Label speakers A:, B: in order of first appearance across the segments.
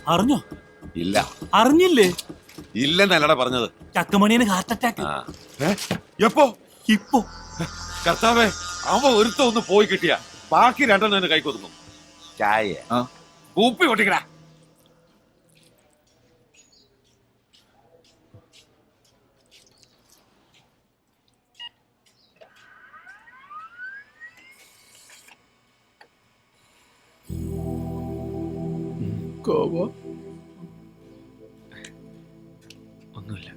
A: അറിഞ്ഞോ?
B: ഇല്ല.
A: അറിഞ്ഞില്ലേ?
B: ഇല്ലെന്നല്ലടാ പറഞ്ഞത്.
A: ചക്കമണിയന് ഹാർട്ട് അറ്റാക്ക്.
B: എപ്പോ?
A: ഇപ്പൊ.
B: കർത്താവേ, അവ ഒരുത്ത ഒന്ന് പോയി കിട്ടിയ ബാക്കി രണ്ടെണ്ണം കൈ കൊതുക്കും. ചായ കൂപ്പി പൊട്ടിക്കടാ.
A: ഒന്നുമില്ല.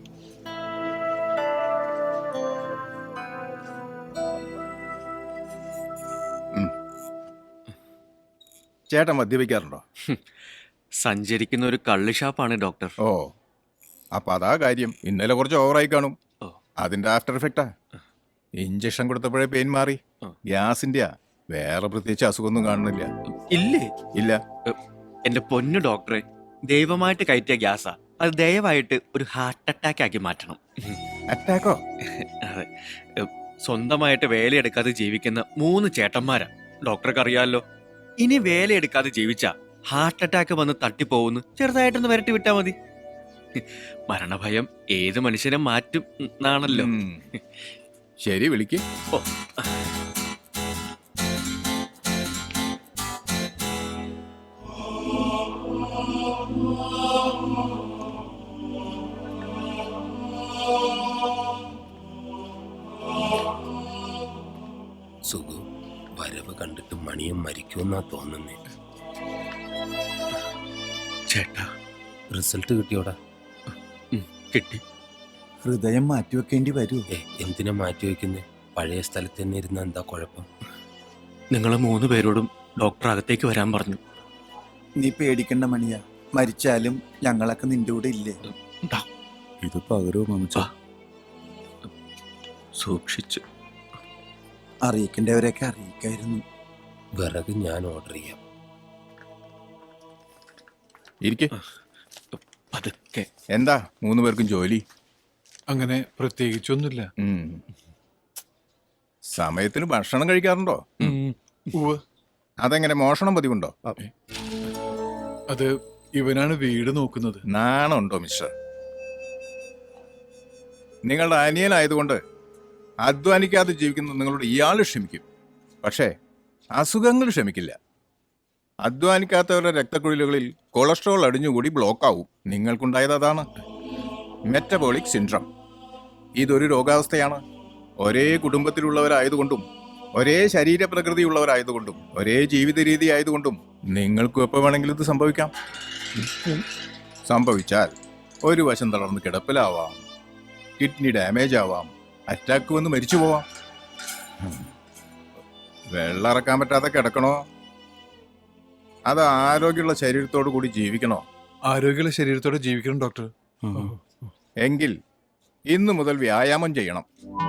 C: ചേട്ടൻ മദ്യപിക്കാറുണ്ടോ?
A: സഞ്ചരിക്കുന്ന ഒരു കള്ള് ഷാപ്പാണ് ഡോക്ടർ.
C: ഓ, അപ്പൊ അതാ കാര്യം. ഇന്നലെ കുറച്ച് ഓവറായി കാണും.
A: ഓ.
C: അതിന്റെ ആഫ്റ്റർ എഫക്റ്റാ. ഇഞ്ചക്ഷൻ കൊടുത്തപ്പോഴേ പെയിൻ മാറി. ഗ്യാസിന്റെയാ. വേറെ പ്രത്യേകിച്ച് അസുഖമൊന്നും കാണുന്നില്ല.
A: ഇല്ലേ?
C: ഇല്ല.
A: എന്റെ പൊന്നു ഡോക്ടറെ, ദൈവമായിട്ട് കയറ്റിയ ഗ്യാസാ. അത് ദയവായിട്ട് ഒരു ഹാർട്ട് അറ്റാക്ക് ആക്കി മാറ്റണം.
C: അറ്റാക്കോ?
A: അതെ. സ്വന്തമായിട്ട് വേലയെടുക്കാതെ ജീവിക്കുന്ന 3 ചേട്ടന്മാരാ. ഡോക്ടർക്ക് അറിയാമല്ലോ. ഇനി വേലയെടുക്കാതെ ജീവിച്ചാ ഹാർട്ട് അറ്റാക്ക് വന്ന് തട്ടിപ്പോവുന്നു. ചെറുതായിട്ടൊന്ന് വരട്ടി വിട്ടാ മതി. മരണഭയം ഏത് മനുഷ്യനെ മാറ്റും എന്നാണല്ലോ.
C: ശരി, വിളിക്ക്.
A: ഓ.
D: സുഖു, വരവ് കണ്ടിട്ട് മണിയും മരിക്കുമെന്നാ തോന്നുന്നേ.
A: ചേട്ടാ,
D: റിസൾട്ട് കിട്ടിയോടാ?
A: കിട്ടി.
E: ഹൃദയം മാറ്റിവെക്കേണ്ടി വരൂ.
D: എന്തിനാ മാറ്റിവെക്കുന്നേ? പഴയ സ്ഥലത്ത് തന്നെ ഇരുന്ന എന്താ കുഴപ്പം?
A: നിങ്ങൾ 3 പേരോടും ഡോക്ടർ അകത്തേക്ക് വരാൻ പറഞ്ഞു.
E: നീ പേടിക്കണ്ട മണിയാ. മരിച്ചാലും ഞങ്ങളൊക്കെ നിന്റെ കൂടെ ഇല്ലേ?
D: ഇത് പകരോ മമച്ച?
A: സൂക്ഷിച്ച്.
E: അറിയിക്കേണ്ടവരെയൊക്കെ അറിയിക്കായിരുന്നു.
D: വിറക് ഞാൻ ഓർഡർ ചെയ്യാം.
C: ഇരിക്കെ.
A: പതുക്കെ.
C: എന്താ 3 പേർക്കും ജോലി?
F: അങ്ങനെ പ്രത്യേകിച്ചൊന്നുമില്ല.
C: സമയത്തിന് ഭക്ഷണം കഴിക്കാറുണ്ടോ?
F: ഉവ്വ്.
C: അതെങ്ങനെ, മോഷണം പതിവുണ്ടോ?
F: അത് ഇവനാണ് വീട് നോക്കുന്നത്.
C: നാണമുണ്ടോ മിസ്റ്റർ? നിങ്ങളുടെ അനിയനായതുകൊണ്ട് അധ്വാനിക്കാതെ ജീവിക്കുന്ന നിങ്ങളോട് ഇയാൾ ക്ഷമിക്കും. പക്ഷേ അസുഖങ്ങൾ ക്ഷമിക്കില്ല. അധ്വാനിക്കാത്തവരുടെ രക്തക്കുഴലുകളിൽ കൊളസ്ട്രോൾ അടിഞ്ഞുകൂടി ബ്ലോക്കാവും. നിങ്ങൾക്കുണ്ടായത് അതാണ്, മെറ്റബോളിക് സിൻഡ്രം. ഇതൊരു രോഗാവസ്ഥയാണ്. ഒരേ കുടുംബത്തിലുള്ളവരായതുകൊണ്ടും ഒരേ ശരീരപ്രകൃതിയുള്ളവരായതുകൊണ്ടും ഒരേ ജീവിത രീതി ആയതുകൊണ്ടും നിങ്ങൾക്കും എപ്പോൾ വേണമെങ്കിലും ഇത് സംഭവിക്കാം. സംഭവിച്ചാൽ ഒരു വശം തളർന്ന് കിടപ്പിലാവാം, കിഡ്നി ഡാമേജ് ആവാം, അറ്റാക്ക് വന്ന് മരിച്ചു പോവാം. വെള്ളം ഇറക്കാൻ പറ്റാതെ കിടക്കണോ, അത് ആരോഗ്യമുള്ള ശരീരത്തോടു കൂടി ജീവിക്കണോ?
F: ആരോഗ്യമുള്ള ശരീരത്തോടെ ജീവിക്കണം ഡോക്ടർ.
C: എങ്കിൽ ഇന്നു മുതൽ വ്യായാമം ചെയ്യണം.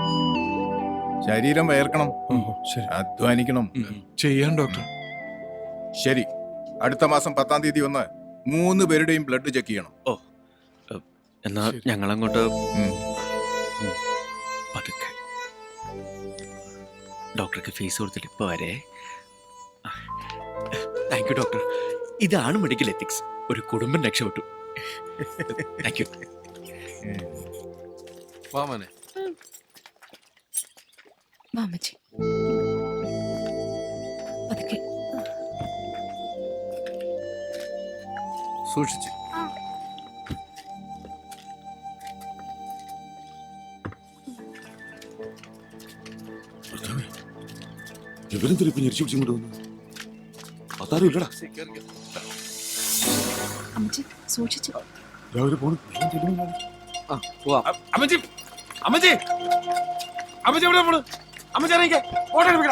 C: ശരീരം വയർക്കണം,
F: ശരി,
C: അധ്വാനിക്കണം.
F: ചെയ്യാൻ ഡോക്ടർ.
C: ശരി, അടുത്ത മാസം 10-ാം തീയതി വന്ന് 3 പേരുടെയും ബ്ലഡ് ചെക്ക് ചെയ്യണം.
A: ഓ, എന്നാ ഞങ്ങളങ്ങോട്ട് പതുക്കെ. ഡോക്ടർക്ക് ഫീസ് കൊടുത്തിട്ട് ഇപ്പൊ വരെ. Thank you doctor. ഇതാണ് മെഡിക്കൽ എത്തിക്സ്. ഒരു കുടുംബം രക്ഷപ്പെട്ടു. Thank you.
F: വാമനെ,
G: മാമച്ചി പതുക്കെ.
C: സൂക്ഷിച്ച്.
B: ഇവരെന്തിരിപ്പ് ഞെരിച്ചു പിടിച്ചിങ്ങോട്ട് വന്നു? അതാരും ഇല്ലടാ.
G: അമ്മച്ചി സൂക്ഷിച്ചു.
B: രാവിലെ പോണു.
H: അമ്മച്ചി, അമ്മച്ചി, അമ്മച്ചി എവിടെ പോണു? അമ്മച്ചി ഇറങ്ങിക്കേ. ഫോട്ടോ എടുപ്പിക്കടാ.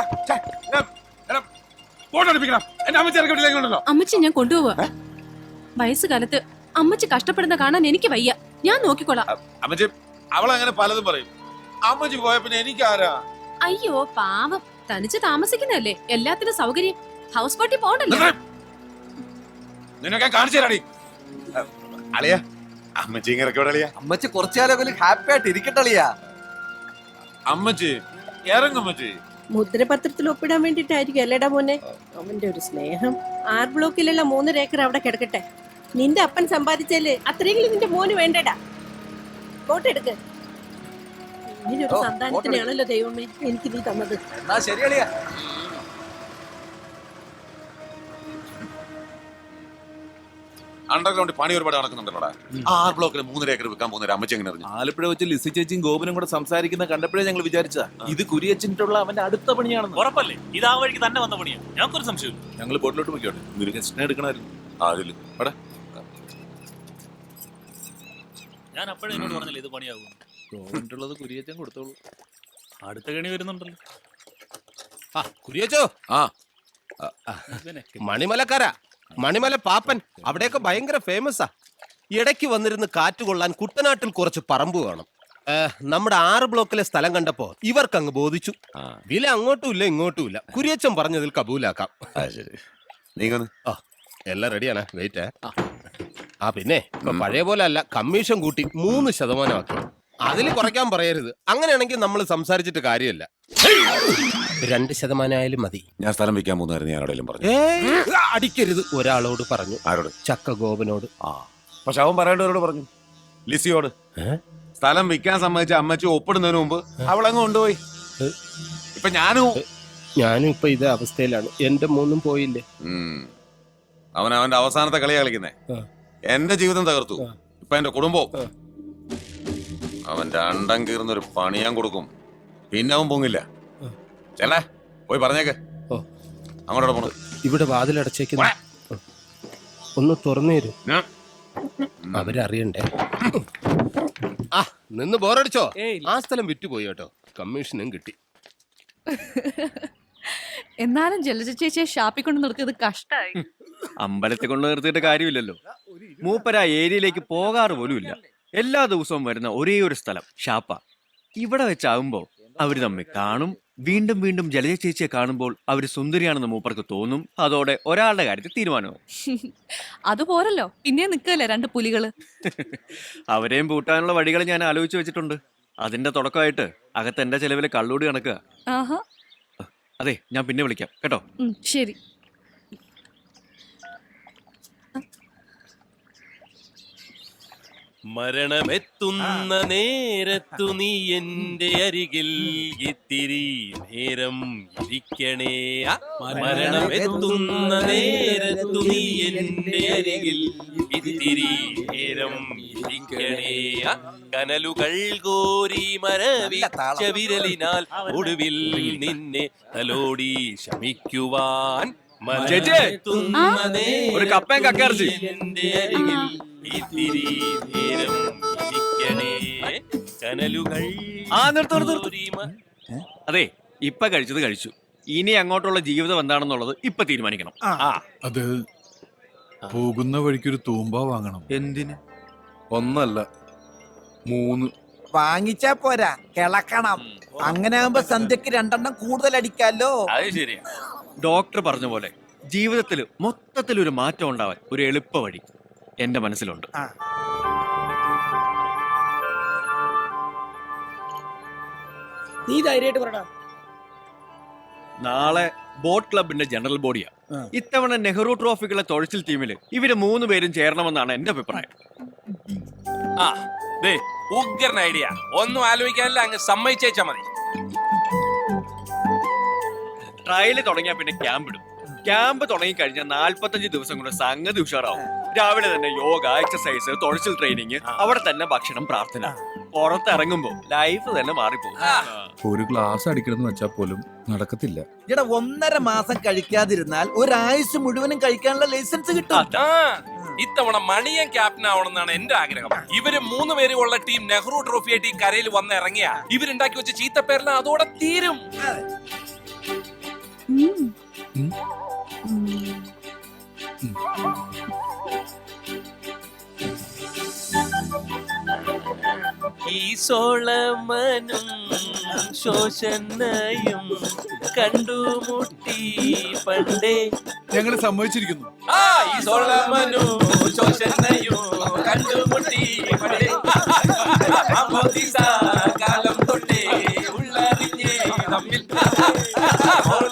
H: ഫോട്ടോ എടുപ്പിക്കണം. എന്റെ അമ്മച്ചി ഇറക്കി വിട്ടില്ലെങ്കിലുണ്ടല്ലോ.
G: അമ്മച്ചി ഞാൻ കൊണ്ടുപോവാ. വയസ്സുകാലത്ത് അമ്മച്ചി കഷ്ടപ്പെടുന്ന കാണാൻ എനിക്ക് വയ്യ. ഞാൻ നോക്കിക്കോളാം.
H: അമ്മച്ചി, അവളങ്ങനെ പലതും പറയും. അമ്മച്ചി പോയ പിന്നെ എനിക്കാരാ?
G: അയ്യോ പാവം, തനിച്ച് താമസിക്കുന്നതല്ലേ, എല്ലാത്തിനും സൗകര്യം. ഹൗസ് ബോട്ടിൽ പോകണ്ടല്ലോ.
H: നിന്നൊക്കെ കാണിച്ചു തരാടി. അളിയാ, അമ്മച്ചി ഇറക്കി വിടളിയാ.
E: അമ്മച്ചി കുറച്ചുകാലം ഹാപ്പി ആയിട്ട് ഇരിക്കട്ടളിയാ.
H: അമ്മച്ചി ഇറങ്ങമ്മച്ചി.
I: മുദ്രപത്രത്തിൽ ഒപ്പിടാൻ വേണ്ടിട്ടായിരിക്കും അല്ലേടാ മോനെ. അവന്റെ ഒരു സ്നേഹം. 6 ബ്ലോക്കിലുള്ള 3 ഏക്കർ അവിടെ കിടക്കട്ടെ. നിന്റെ അപ്പൻ സമ്പാദിച്ചാല് അത്രയെങ്കിലും നിന്റെ മോന് വേണ്ടടാ. കോട്ടെടുക്ക്. ഇങ്ങനൊരു സന്താനത്തിനാണല്ലോ ദൈവമേ എനിക്ക് നീ തന്നത്.
H: എന്നാ ശരിയളിയാ.
B: അണ്ടർഗ്രൗണ്ട് പണി ഒരുപാട് നടക്കുന്നുണ്ടല്ലോടാ. 6 ബ്ലോക്കിൽ 3.5 ഏക്കർ വിൽക്കാൻ പോകുന്ന അമ്മച്ചി എങ്ങനെ അറിഞ്ഞു?
H: ആലപ്പുഴ വെച്ച് ലിസി ചേച്ചിയും ഗോപനും കൂടെ സംസാരിക്കുന്ന കണ്ടപ്പോഴേ ഞങ്ങൾ വിചാരിച്ച ഇത് കുരിയച്ചിട്ടുള്ള അവന്റെ അടുത്ത പണിയാണെന്ന്.
J: ഉറപ്പല്ലേ ഇത് ആ വഴിക്ക് തന്നെ വന്ന പണിയാ? ഞങ്ങൾക്കൊരു സംശയം.
H: ഞങ്ങൾ ബോട്ടിലോട്ട് പോയിക്കോട്ടെ. നിനക്ക് എക്സ്റ്റിനെ എടുക്കണമായിരുന്നു.
B: അതില് എടാ
J: ഞാൻ അപ്പോഴേ എന്നോട് പറഞ്ഞില്ല ഇത് പണിയാകും.
H: ഗോപനുള്ളത് കുരിയച്ചൻ കൊടുത്തോളൂ.
J: അടുത്ത കണി വരുന്നുണ്ടല്ലോ.
D: കുരിയച്ചോ
B: ആ
D: മണിമലക്കാരാ, മണിമല പാപ്പൻ അവിടെയൊക്കെ ഭയങ്കര ഫേമസാ. ഇടയ്ക്ക് വന്നിരുന്ന് കാറ്റ് കൊള്ളാൻ കുട്ടനാട്ടിൽ കുറച്ച് പറമ്പ് വേണം. നമ്മുടെ 6 ബ്ലോക്കിലെ സ്ഥലം കണ്ടപ്പോ ഇവർക്കങ്ങ് ബോധിച്ചു. വില അങ്ങോട്ടും ഇല്ല ഇങ്ങോട്ടും ഇല്ല. കുരിയച്ചൻ പറഞ്ഞതിൽ കബൂലാക്കാം.
B: ശരി, നീങ്ങന്ന്.
D: എല്ലാം റെഡിയാണ്. വെയിറ്റ്. പിന്നെ ഇപ്പൊ പഴയ പോലെ അല്ല, കമ്മീഷൻ കൂട്ടി 3% ആക്കി. അതിൽ കുറയ്ക്കാൻ പറയരുത്. അങ്ങനെയാണെങ്കിൽ നമ്മൾ സംസാരിച്ചിട്ട് കാര്യമില്ല. 2% ആയാലും മതി.
B: ഞാൻ സ്ഥലം വിൽക്കാൻ പോകുന്നതായിരുന്നു ഞാൻ ആരോടെങ്കിലും പറഞ്ഞു.
D: അടിക്കരുത്. ഒരാളോട് പറഞ്ഞു.
B: ആരോട്?
D: ചക്ക ഗോപനോട്.
B: പക്ഷെ അവൻ പറയേണ്ടവരോട് പറഞ്ഞു, ലിസിയോട്. സ്ഥലം വിൽക്കാൻ സമ്മതിച്ച അമ്മച്ചി ഒപ്പിടുന്നതിന് മുമ്പ് അവളങ്ങ് കൊണ്ടുപോയി. ഇപ്പൊ
D: ഞാനും ഇപ്പൊ ഇതേ അവസ്ഥയിലാണ്. എന്റെ മോനും പോയില്ലേ.
B: അവൻ അവന്റെ അവസാനത്തെ കളിയാ കളിക്കുന്നേ. എന്റെ ജീവിതം തകർത്തു. ഇപ്പൊ എന്റെ കുടുംബവും. അവന്റെ അണ്ടം കീർന്നൊരു പണി ഞാൻ കൊടുക്കും. പിന്നെ അവൻ പൊങ്ങില്ല. ചേട്ടാ പോയി പറഞ്ഞേക്ക്. അങ്ങോട്ടോടെ പോണു.
D: ഇവിടെ വാതിലടച്ചേക്കുന്നു. ഒന്ന് തുറന്നു തരൂ. അവരറിയണ്ടേ. നിന്ന് ബോറടിച്ചോ? ആ സ്ഥലം വിറ്റുപോയി കേട്ടോ. കമ്മീഷനും കിട്ടി.
G: എന്നാലും ജലജ ചേച്ചിയെ ഷാപ്പിൽ കൊണ്ട് നിർത്തിയത് കഷ്ടായി.
A: അമ്പലത്തിൽ കൊണ്ട് നിർത്തിയിട്ട് കാര്യമില്ലല്ലോ. മൂപ്പര ആ ഏരിയയിലേക്ക് പോകാറ് പോലുമില്ല. എല്ലാ ദിവസവും വരുന്ന ഒരേ ഒരു സ്ഥലം ഷാപ്പ. ഇവിടെ വെച്ചാകുമ്പോ അവര് തമ്മിൽ കാണും. വീണ്ടും വീണ്ടും ജലജ ചേച്ചിയെ കാണുമ്പോൾ അവര് സുന്ദരിയാണെന്ന് മൂപ്പർക്ക് തോന്നും. അതോടെ ഒരാളുടെ കാര്യത്തിൽ തീരുമാനവും.
G: അതുപോരല്ലോ, പിന്നെ നിക്കല്ലേ 2 പുലികള്.
A: അവരെയും പൂട്ടാനുള്ള വഴികൾ ഞാൻ ആലോചിച്ച് വെച്ചിട്ടുണ്ട്. അതിന്റെ തുടക്കമായിട്ട് അകത്ത് എന്റെ ചെലവില് കള്ളൂടി കണക്കുക.
G: ആഹാ.
A: അതെ, ഞാൻ പിന്നെ വിളിക്കാം കേട്ടോ.
G: ശരി.
D: മരണമെത്തുന്ന നേരത്തു നീ എന്റെ അരികിൽ ഇത്തിരി നേരം ഇരിക്കണേ. മരണമെത്തുന്ന നേരത്തു നീ എന്റെ അരികിൽ ഇത്തിരി നേരം ഇരിക്കണേ. കനലുകൾ കോരി മരവിച്ച വിരലിനാൽ ഒടുവിൽ നിന്നെ തലോടി ശമിക്കുവാൻ.
A: ഒരു കപ്പയും കക്കയിറച്ചി.
D: എന്റെ അരികിൽ ഇത്തിരി നേരം ഇരിക്കണേ. കനലുകൾ.
A: അതെ, ഇപ്പൊ കഴിച്ചത് കഴിച്ചു. ഇനി അങ്ങോട്ടുള്ള ജീവിതം എന്താണെന്നുള്ളത് ഇപ്പൊ തീരുമാനിക്കണം.
F: അത് പോകുന്ന വഴിക്കൊരു തൂമ്പ വാങ്ങണം.
A: എന്തിന്?
F: 1 അല്ല 3.
E: വാങ്ങിച്ചാ പോരാ, കിളക്കണം. അങ്ങനെ ആകുമ്പോ സന്ധ്യക്ക് 2 കൂടുതൽ അടിക്കാലോ.
J: അത് ശരിയാ.
A: ഡോക്ടർ പറഞ്ഞ പോലെ ജീവിതത്തിൽ മൊത്തത്തിലൊരു മാറ്റം ഉണ്ടാവാൻ ഒരു എളുപ്പ വഴി എന്റെ മനസ്സിലുണ്ട്.
I: നീ ധൈര്യമായിട്ട് പറടാ.
A: നാളെ ബോട്ട് ക്ലബിന്റെ ജനറൽ ബോഡിയാ. ഇത്തവണ നെഹ്റു ട്രോഫിക്കുള്ള തുഴച്ചിൽ ടീമില് ഇവര് 3 പേരും ചേരണമെന്നാണ് എന്റെ അഭിപ്രായം.
J: ഉഗ്രൻ ഐഡിയ. ഒന്നും ആലോചിക്കാനില്ല, അങ്ങ് സമ്മതിച്ചേച്ചാ മതി.
A: ട്രയല് തുടങ്ങിയാ പിന്നെ ക്യാമ്പ് ഇടും. ക്യാമ്പ് തുടങ്ങി കഴിഞ്ഞാൽ 45 ദിവസം കൊണ്ട് സംഗതി ഉഷാറാവും. രാവിലെ തന്നെ യോഗ, എക്സസൈസ്, തുഴച്ചിൽ ട്രെയിനിങ്, അവിടെ തന്നെ ഭക്ഷണം, പ്രാർത്ഥന. പുറത്തിറങ്ങുമ്പോ ലൈഫ് തന്നെ മാറിപ്പോകും.
F: ഒരു ഗ്ലാസ് അടിക്കണമെന്ന് വെച്ചാൽ പോലും നടക്കത്തില്ല.
E: ഇവിടെ 1.5 മാസം കഴിക്കാതിരുന്നാൽ ഒരാഴ്ച മുഴുവനും കഴിക്കാനുള്ള ലൈസൻസ് കിട്ടും.
J: ഇത്തവണ മണിയൻ ക്യാപ്റ്റൻ ആവണമെന്നാണ് എന്റെ ആഗ്രഹം. ഇവര് 3 പേരും ഉള്ള ടീം നെഹ്റു ട്രോഫി ആയിട്ട് ഈ കരയിൽ വന്ന് ഇറങ്ങിയ ഇവരുണ്ടാക്കി വെച്ച ചീത്തപ്പേരെല്ലാം അതോടെ തീരും.
D: ഈ സോളമനും ശോഷനയും കണ്ടുമുട്ടി പണ്ടേ.
F: ഞങ്ങൾ സമ്മതിച്ചിരിക്കുന്നു.
D: ഈ സോളമനും ശോഷനയും കണ്ടുമുട്ടി പണ്ടേ. കാലം തൊട്ടേ ഉള്ളറിഞ്ഞേ തമ്മിൽ.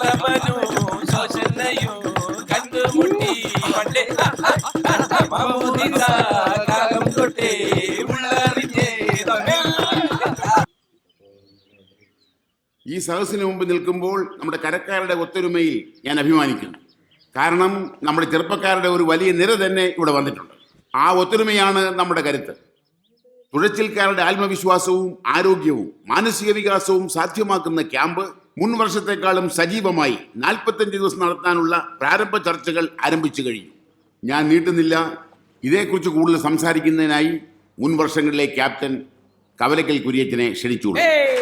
D: സോളമനും ശോഷനയും കണ്ടുമുട്ടി പണ്ടേ.
K: ഈ സദസ്സിന് മുമ്പ് നിൽക്കുമ്പോൾ നമ്മുടെ കരക്കാരുടെ ഒത്തൊരുമയിൽ ഞാൻ അഭിമാനിക്കുന്നു. കാരണം നമ്മുടെ ചെറുപ്പക്കാരുടെ ഒരു വലിയ നിര തന്നെ ഇവിടെ വന്നിട്ടുണ്ട്. ആ ഒത്തൊരുമയാണ് നമ്മുടെ കരുത്ത്. തുഴച്ചിൽക്കാരുടെ ആത്മവിശ്വാസവും ആരോഗ്യവും മാനസിക വികാസവും സാധ്യമാക്കുന്ന ക്യാമ്പ് മുൻ വർഷത്തെക്കാളും സജീവമായി 45 ദിവസം നടത്താനുള്ള പ്രാരംഭ ചർച്ചകൾ ആരംഭിച്ചു കഴിഞ്ഞു. ഞാൻ നീട്ടുന്നില്ല. ഇതേക്കുറിച്ച് കൂടുതൽ സംസാരിക്കുന്നതിനായി മുൻ വർഷങ്ങളിലെ ക്യാപ്റ്റൻ കവലക്കൽ കുര്യച്ചനെ ക്ഷണിച്ചുള്ളൂ.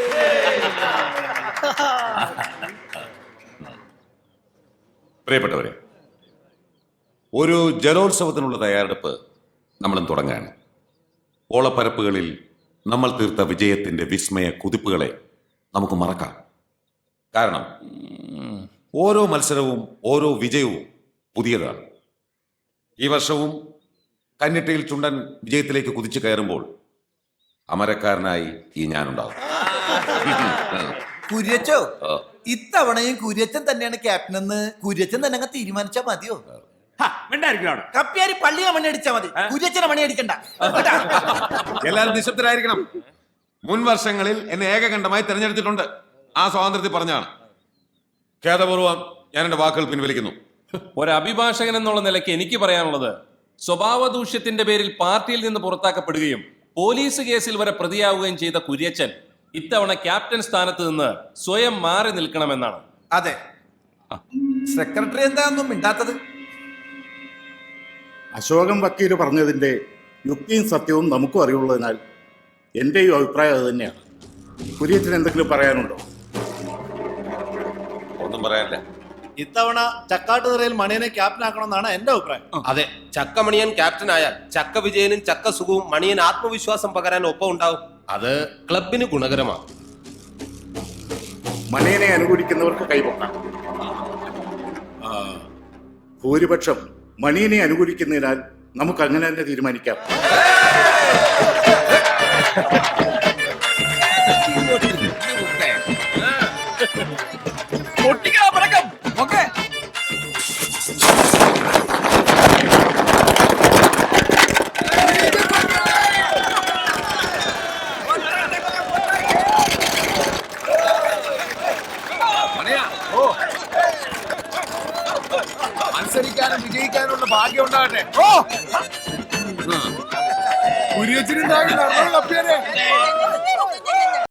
B: പ്രിയപ്പെട്ടവരെ, ഒരു ജലോത്സവത്തിനുള്ള തയ്യാറെടുപ്പ് നമ്മളും തുടങ്ങുകയാണ്. ഓളപ്പരപ്പുകളിൽ നമ്മൾ തീർത്ത വിജയത്തിന്റെ വിസ്മയ കുതിപ്പുകളെ നമുക്ക് മറക്കാം. കാരണം ഓരോ മത്സരവും ഓരോ വിജയവും പുതിയതാണ്. ഈ വർഷവും കന്നിട്ടയിൽ ചുണ്ടൻ വിജയത്തിലേക്ക് കുതിച്ചു കയറുമ്പോൾ അമരക്കാരനായി ഈ ഞാനുണ്ടാവും.
E: കുര്യച്ചോ, ഇത്തവണയും കുര്യച്ചൻ തന്നെയാണ് ക്യാപ്റ്റൻ എന്ന് കുര്യച്ചൻ തന്നെ അങ്ങ് തീരുമാനിച്ചാ മതിയോ? കപ്പ്യാരി പള്ളിയെ മണി അടിച്ചാ മതി, കുര്യച്ചനെ മണി അടിക്കണ്ട.
B: എല്ലാവരും നിശബ്ദരായിരിക്കണം. മുൻ വർഷങ്ങളിൽ എന്നെ ഏകകണ്ഠമായി തെരഞ്ഞെടുത്തിട്ടുണ്ട്. ആ സ്വാതന്ത്ര്യത്തിൽ പറഞ്ഞാണ്. ഖേദപൂർവ്വം ഞാൻ എന്റെ വാക്കുകൾ പിൻവലിക്കുന്നു.
J: ഒരു അഭിഭാഷകൻ എന്നുള്ള നിലയ്ക്ക് എനിക്ക് പറയാനുള്ളത്, സ്വഭാവ ദൂഷ്യത്തിന്റെ പേരിൽ പാർട്ടിയിൽ നിന്ന് പുറത്താക്കപ്പെടുകയും പോലീസ് കേസിൽ വരെ പ്രതിയാവുകയും ചെയ്ത കുര്യച്ചൻ ഇത്തവണ ക്യാപ്റ്റൻ സ്ഥാനത്ത് നിന്ന് സ്വയം മാറി നിൽക്കണമെന്നാണ്.
E: അതെ, സെക്രട്ടറി എന്താണെന്നും മിണ്ടാത്തത്?
K: അശോകൻ വക്കീല് പറഞ്ഞതിന്റെ യുക്തിയും സത്യവും നമുക്കും അറിയുള്ളതിനാൽ എന്റെയും അഭിപ്രായം അത് തന്നെയാണ്. കുര്യച്ചന് എന്തെങ്കിലും പറയാനുണ്ടോ?
B: ഒന്നും പറയാനില്ല.
C: ഇത്തവണ ചക്കാട്ടുനിറയിൽ മണിയനെ ക്യാപ്റ്റൻ ആക്കണമെന്നാണ് എന്റെ അഭിപ്രായം.
D: അതെ, ചക്കമണിയൻ ക്യാപ്റ്റൻ ആയാൽ ചക്ക വിജയനും ചക്ക സുഖവും മണിയൻ ആത്മവിശ്വാസം പകരാൻ ഒപ്പം ഉണ്ടാവും. അത് ക്ലബിന് ഗുണകരമാണ്.
K: മണിയനെ അനുകൂലിക്കുന്നവർക്ക് കൈപൊക്കാം. ഭൂരിപക്ഷം മണിയനെ അനുകൂലിക്കുന്നതിനാൽ നമുക്ക് അങ്ങനെ തന്നെ തീരുമാനിക്കാം.
H: മത്സരിക്കാനും വിജയിക്കാനുള്ള ഭാഗ്യം ഉണ്ടാകട്ടെ. കുര്യച്ചിനുണ്ടാകില്ല.